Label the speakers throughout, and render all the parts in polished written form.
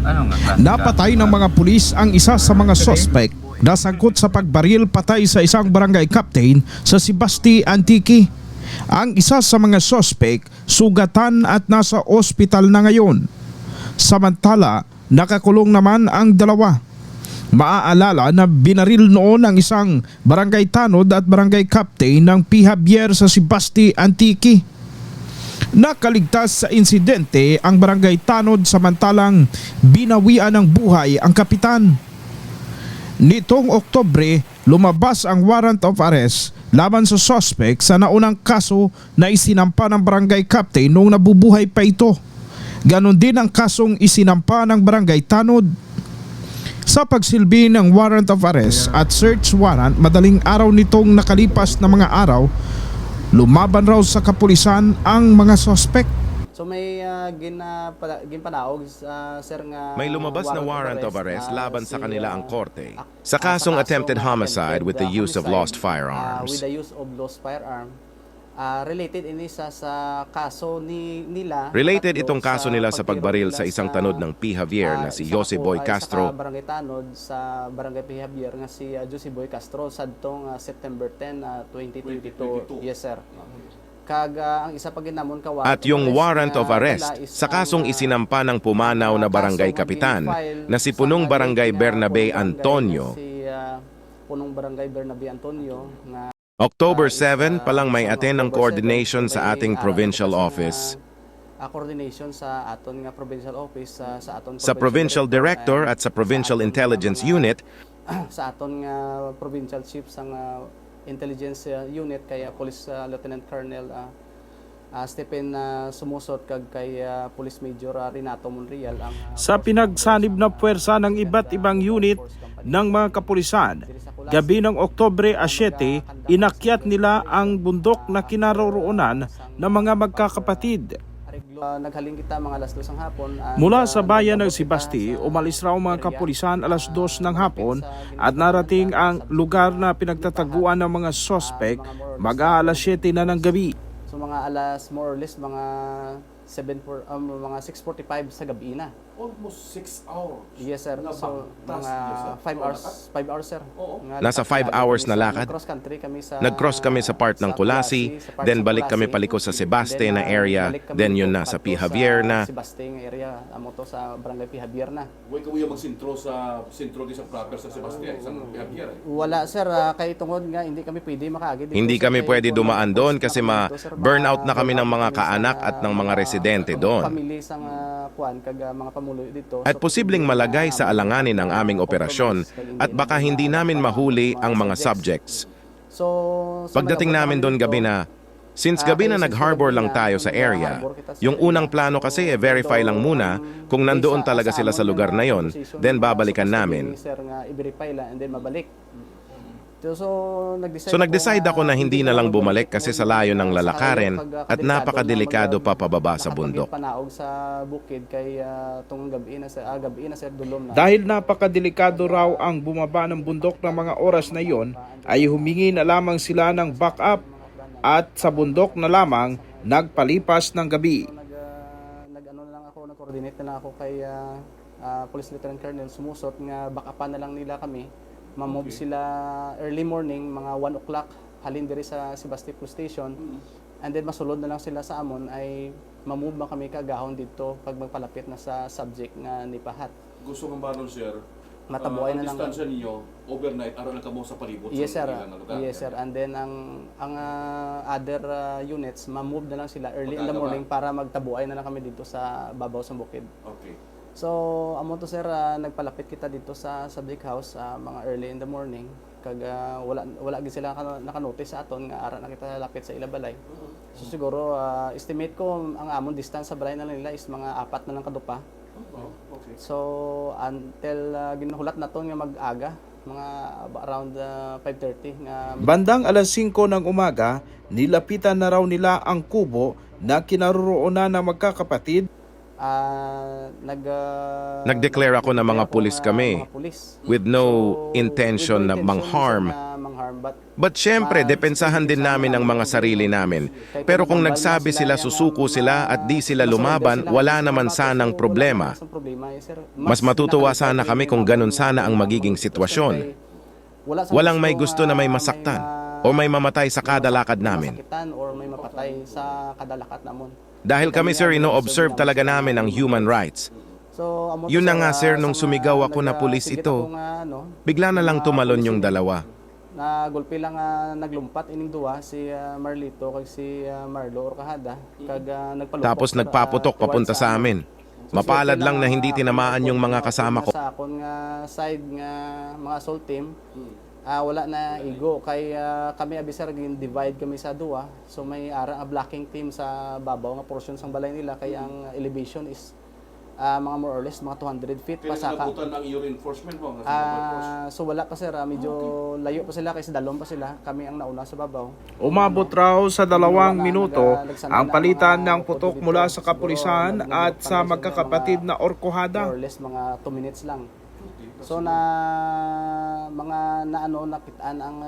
Speaker 1: Napatay ng mga pulis ang isa sa mga suspect na sangkot sa pagbaril patay sa isang barangay captain sa Sibasti, Antique. Ang isa sa mga suspect sugatan at nasa ospital na ngayon. Samantala, nakakulong naman ang dalawa. Maaalala na binaril noon ang isang barangay tanod at barangay captain ng P. Javier sa Sibasti, Antique. Nakaligtas sa insidente ang barangay tanod samantalang binawian ng buhay ang kapitan. Nitong Oktubre, lumabas ang warrant of arrest laban sa suspect sa naunang kaso na isinampa ng barangay captain noong nabubuhay pa ito. Ganon din ang kasong isinampa ng barangay tanod. Sa pagsilbi ng warrant of arrest at search warrant madaling araw nitong nakalipas na mga araw, lumaban raw sa kapulisan ang mga suspect.
Speaker 2: So may ginpanaog sir nga
Speaker 3: May lumabas na warrant of arrest laban sa kanila ang korte sa kasong attempted homicide with the use of lost firearms.
Speaker 2: With the use of lost firearm. Related ini sa kaso nila.
Speaker 3: Related itong kaso nila sa pagbaril sa isang tanod ng P. Javier na si Jose Boy Castro.
Speaker 2: Sa barangay tanod sa barangay P. Javier nga si Jose Boy Castro sadtong September 10, 2022. Yes sir. Ang isa pa ginamon ka
Speaker 3: At yung warrant of arrest sa kasong isinampa ng pumanaw na barangay kapitan na si punong barangay Bernabe Antonio.
Speaker 2: Si punong barangay Bernabe Antonio nga
Speaker 3: October 7 pa lang may attend ng coordination sa ating provincial office.
Speaker 2: Coordination sa aton nga provincial office sa aton
Speaker 3: Sa provincial director at sa provincial intelligence unit
Speaker 2: sa aton nga provincial chief sang intelligence unit kaya Police Lieutenant Colonel Stephen Sumusot kag kay Police Major Renato Monreal ang
Speaker 1: Sa pinagsanib na puwersa ng iba't ibang unit ng mga kapulisan, gabi ng Oktubre 7, inakyat nila ang bundok na kinaroroonan ng mga magkakapatid.
Speaker 2: Naghaling kita mga alas 2 ng hapon.
Speaker 1: Mula sa bayan ng Sibasti, umalis raw mga kapulisan alas 2 ng hapon at narating ang lugar na pinagtataguan ng mga suspect mag-aalas 7 na ng gabi.
Speaker 2: So mga alas more or less mga 6:45 sa gabi na.
Speaker 4: Almost 6 hours.
Speaker 2: Yes sir. So mga 5 hours sir.
Speaker 3: Nasa 5 hours na lakad.
Speaker 2: Nag-cross kami sa
Speaker 3: part ng Kulasi, then balik kami paliko sa Sebaste na area, then yun na sa P. Javier na.
Speaker 2: Sebaste nga area, amo to sa barangay P. Javier na.
Speaker 4: Huwag ka magsintro sa sintro di sa proper sa Sebastian, isang Javier.
Speaker 2: Wala sir, kay tungod nga hindi kami pwede makaagi dito.
Speaker 3: Hindi kami pwede dumaan doon kasi ma-burnout na kami ng mga kaanak at ng mga residente doon.
Speaker 2: Pamilya sang kuan kag mga pamuloy dito.
Speaker 3: At posibleng malagay sa alanganin ang aming operasyon at baka hindi namin mahuli ang mga subjects.
Speaker 2: So
Speaker 3: Pagdating namin doon gabi na, since gabi na nag-harbor lang tayo sa area, yung unang plano kasi verify lang muna kung nandoon talaga sila sa lugar na yon, then babalikan namin.
Speaker 2: Sir nga i-verify lang and then mabalik. So
Speaker 3: nag-decide ako na hindi na lang bumalik kasi sa layo ng lalakarin at napakadelikado pa pababa sa bundok.
Speaker 2: Panaog sa bukid kay tong gabi na sir dulom na.
Speaker 1: Dahil napakadelikado raw ang bumaba ng bundok ng mga oras na iyon, ay humingi na lamang sila ng backup at sa bundok na lamang nagpalipas ng gabi.
Speaker 2: Nag-coordinate na lang ako kay Police Lieutenant Colonel Sumusot nga backupan na lang nila kami. Ma-move sila early morning, mga 1 o'clock, halin diri sa Sebasti Police Station. And then masulod na lang sila sa amon ay ma-move ba kami kagahon dito pag magpalapit na sa subject nga nipahat.
Speaker 4: Gusto kong ba nun, sir?
Speaker 2: Matabuhay na lang.
Speaker 4: Ang distansya ninyo, overnight, araw na kamo sa palibot.
Speaker 2: Yes sir.
Speaker 4: Sa lugar.
Speaker 2: Yes sir. And then ang other units, ma-move na lang sila early in the morning para magtabuhay na lang kami dito sa babaw sa bukid.
Speaker 4: Okay.
Speaker 2: So, amo to sir, nagpalapit kita dito sa subject house mga early in the morning. Kag wala gid sila naka-notice sa aton nga ara na kita lapit sa ilabalay. So siguro estimate ko ang amon distance sa balay na nila is mga 4 na lang kadupa.
Speaker 4: Okay.
Speaker 2: So until ginahulat na to nga mag-aga, mga around 5:30 nga
Speaker 1: Bandang alas 5 ng umaga, nilapitan na raw nila ang kubo na kinaroroonan ng magkakapatid.
Speaker 3: Nag-declare ako na mga pulis kami with no intention na mang-harm
Speaker 2: firearm.
Speaker 3: But syempre, depensahan din namin ang mga sarili namin. Pero kung nagsabi sila susuko sila at di sila lumaban, wala naman sanang problema. Mas matutuwa sana kami kung ganun sana ang magiging sitwasyon. Walang may gusto na may masaktan o may mamatay sa kada lakad namin.
Speaker 2: Or may mapatay sa kada lakad namon.
Speaker 3: Dahil kami sir, ino-observe talaga namin ang human rights.
Speaker 2: So,
Speaker 3: Yun na nga sir, nung sumigaw ako na pulis ito, bigla na lang tumalon yung dalawa.
Speaker 2: Na gulpi lang naglumpat ining duwa si Marlito kag si Marlo Orcajada kag nagpalupok.
Speaker 3: Tapos nagpaputok papunta sa amin. Mapalad lang na hindi tinamaan yung mga kasama ko.
Speaker 2: Sa akon nga side nga mga assault team, wala na igo kay kami abisar gin divide kami sa duwa. So may ara blocking team sa babaw nga portion sang balay nila kay ang elevation is mga more or less mga 200 feet pa
Speaker 4: Kaya
Speaker 2: saka.
Speaker 4: nabutan ang iyo reinforcement mo?
Speaker 2: So wala pa sir, medyo layo pa sila kasi dalom pa sila. Kami ang nauna sa babaw.
Speaker 1: Umabot raw sa 2 minuto ang palitan ng putok mula sa kapulisan at sa magkakapatid na Orcajada.
Speaker 2: More or less mga 2 minutes lang. So na mga nakitaan ang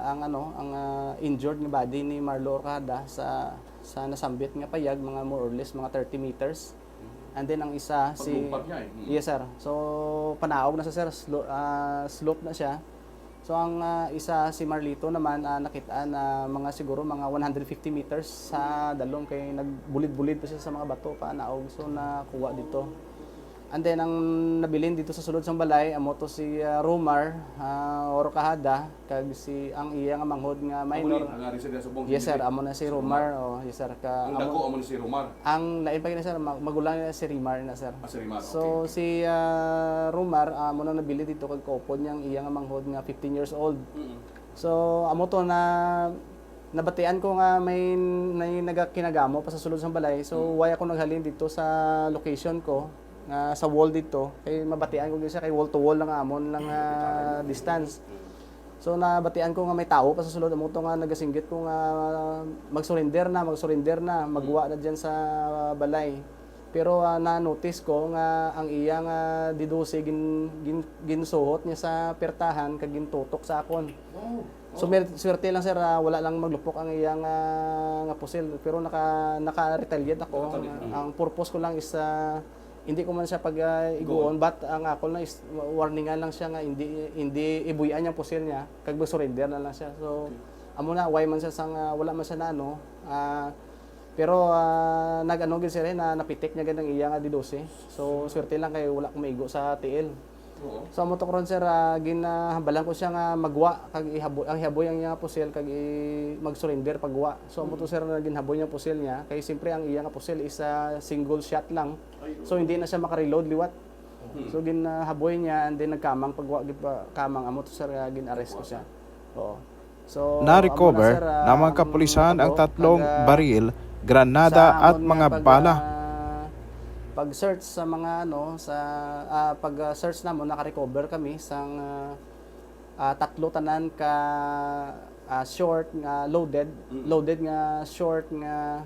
Speaker 2: injured nga body ni Marlo Orcajada sa nasambit nga payag mga more or less mga 30 meters. And then ang isa si
Speaker 4: Paglumpat niya eh.
Speaker 2: Yes sir. So panaog na sa sir, slope na siya. So ang isa si Marlito naman nakitaan na mga siguro mga 150 meters sa dalom kay nagbulid-bulid pa siya sa mga bato pa naog so nakuha dito. And then ang nabilin dito sa sulod sang balay amo to si Romar Orcajada kag si ang iya nga manghod nga minor.
Speaker 4: Ang ari sa subong.
Speaker 2: Yes sir, amo na si Romar yes sir ka
Speaker 4: Ang dako amo ni si Romar.
Speaker 2: ang lain pa gina sir magulang na si Rimar na sir.
Speaker 4: Si Rimar,
Speaker 2: So si Romar amo na nabili dito kag kaupod niyang iya nga manghod nga 15 years old. So amo to na nabatian ko nga may nagakinagamo pa sa sulod sang balay. So why ako naghalin dito sa location ko sa wall dito kay mabatian ko gyud siya kay wall to wall lang amon lang distance. So nabatian ko nga may tao pa sa sulod amo to nga nagasinggit ko nga mag-surrender na magwa na diyan sa balay. Pero na-notice ko nga ang iya nga didose ginsuhot niya sa pertahan kag gintutok sa akon. So swerte lang sir wala lang maglupok ang iya nga pusil pero naka-retaliate ako. Ang purpose ko lang is hindi ko man siya iguon but ang ako lang is warningan lang siya nga hindi ibuyan yung pusil niya kag surrender na lang siya. So amo na why man siya sang wala man siya na pero nag-ano gid siya na napitik niya gid ang iya nga D12. So swerte lang kay wala ko maigo sa TL. So amo to karon sir ginahambalan ko siya nga magwa kag ihaboy ang iya nga pusil kag mag-surrender pagwa. So amo to sir na ginhaboy niya pusil niya kay simpre ang iya nga pusil is single shot lang. So hindi na siya maka-reload liwat. So ginahaboy niya and then nagkamang pagwa gid pa kamang amo to sir gin-arrest ko siya. Oo. So
Speaker 1: Na-recover ng mga kapulisan ang 3 baril, granada at mga bala.
Speaker 2: Pag-search sa mga pag-search namo naka-recover kami sang 3 tanan ka short nga loaded nga short nga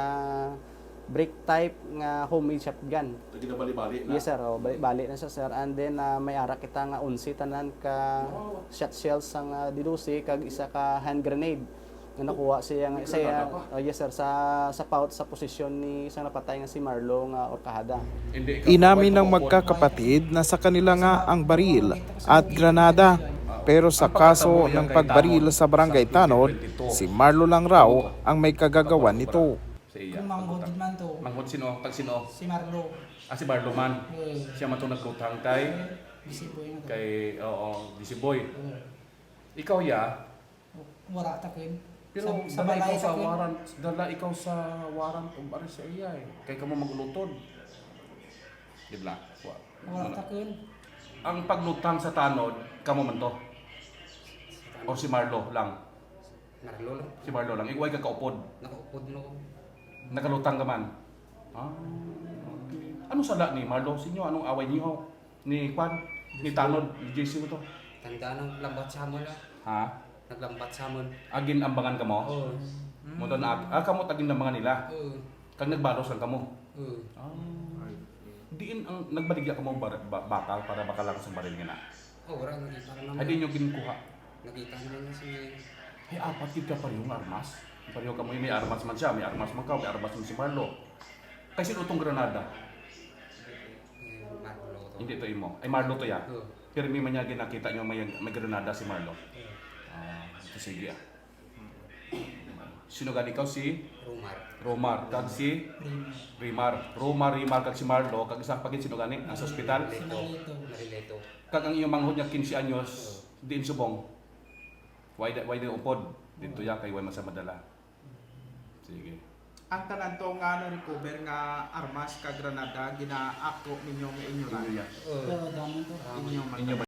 Speaker 2: break type nga homemade shotgun.
Speaker 4: Ginabali-bali na.
Speaker 2: Yes sir, bali na siya sir. And then may ara kita nga 11 tanan ka shot shells sang D12 kag isa ka hand grenade nga nakuha siya nga yes sir sa pouch sa posisyon ni isang napatay nga si Marlo nga Orcajada.
Speaker 1: Inamin ng magkakapatid na sa kanila nga ang baril at granada. Pero sa kaso ng pagbaril sa Barangay Tanod, si Marlo lang raw ang may kagagawan nito.
Speaker 5: Kung manghod man to,
Speaker 4: Manghod sino? Tag sino?
Speaker 5: si Marlo.
Speaker 4: Si Marlo man. Siya man itong nagkutang kay
Speaker 5: Bisiboy na to.
Speaker 4: Disiboy. Ikaw ya,
Speaker 5: Wala takin.
Speaker 4: pero
Speaker 5: sa
Speaker 4: dala ikaw
Speaker 5: balay
Speaker 4: sa
Speaker 5: takin.
Speaker 4: waran, dala ikaw sa waran o bari sa iya eh. Kay kamo maglutod. Dibla.
Speaker 5: Wala takin.
Speaker 4: Ang paglutang sa tanod, kamo man to. O si Marlo lang.
Speaker 6: Marlo lang.
Speaker 4: Si Marlo lang. Ikaw ay kakaupod.
Speaker 6: Nakaupod na ko.
Speaker 4: Nakalutang ka man. Okay. Ano sala ni Marlo? Sinyo, anong away niyo? Ni Juan? Ni Tanod? Ni JC mo to?
Speaker 6: Tanda ng lambat sa hamon na.
Speaker 4: Ha?
Speaker 6: Naglambat sa hamon.
Speaker 4: Agin ambangan ka mo?
Speaker 6: Oo.
Speaker 4: Mo doon kamo tagin ambangan nila.
Speaker 6: Oo.
Speaker 4: Kag nagbalos lang kamo.
Speaker 6: Oo.
Speaker 4: Diin ang nagbaligya ka mo bakal para bakalang sa baril nga na.
Speaker 6: Oh, wala na para naman.
Speaker 4: Ay di nyo ginkuha.
Speaker 6: Nakita naman na si
Speaker 4: Ay, apat ka parehong armas. Pareho ka mo, may armas man siya, may armas man ka, may armas man si Marlo. Kasi itong Granada.
Speaker 6: Marlo to.
Speaker 4: Hindi to imo. Ay, Marlo to ya.
Speaker 6: Oo.
Speaker 4: Pero may manyagi nakita nyo may Granada si Marlo. Ito sige ah. Sino gani ikaw si
Speaker 6: Rumar.
Speaker 4: Romar, kag si Rimar. Rimar kag si Marlo, kag isang pagin sino gani nasa ospital.
Speaker 6: Marileto.
Speaker 4: Kag ang iyong manghod niya 15 anyos, diin subong. Why the upod? Dito ya kay way man sa madala. Sige.
Speaker 1: Ang tanan to nga na-recover nga armas ka Granada, ginaako ninyo nga inyo
Speaker 4: Inyo yan.
Speaker 5: Pero dami to.
Speaker 4: Inyo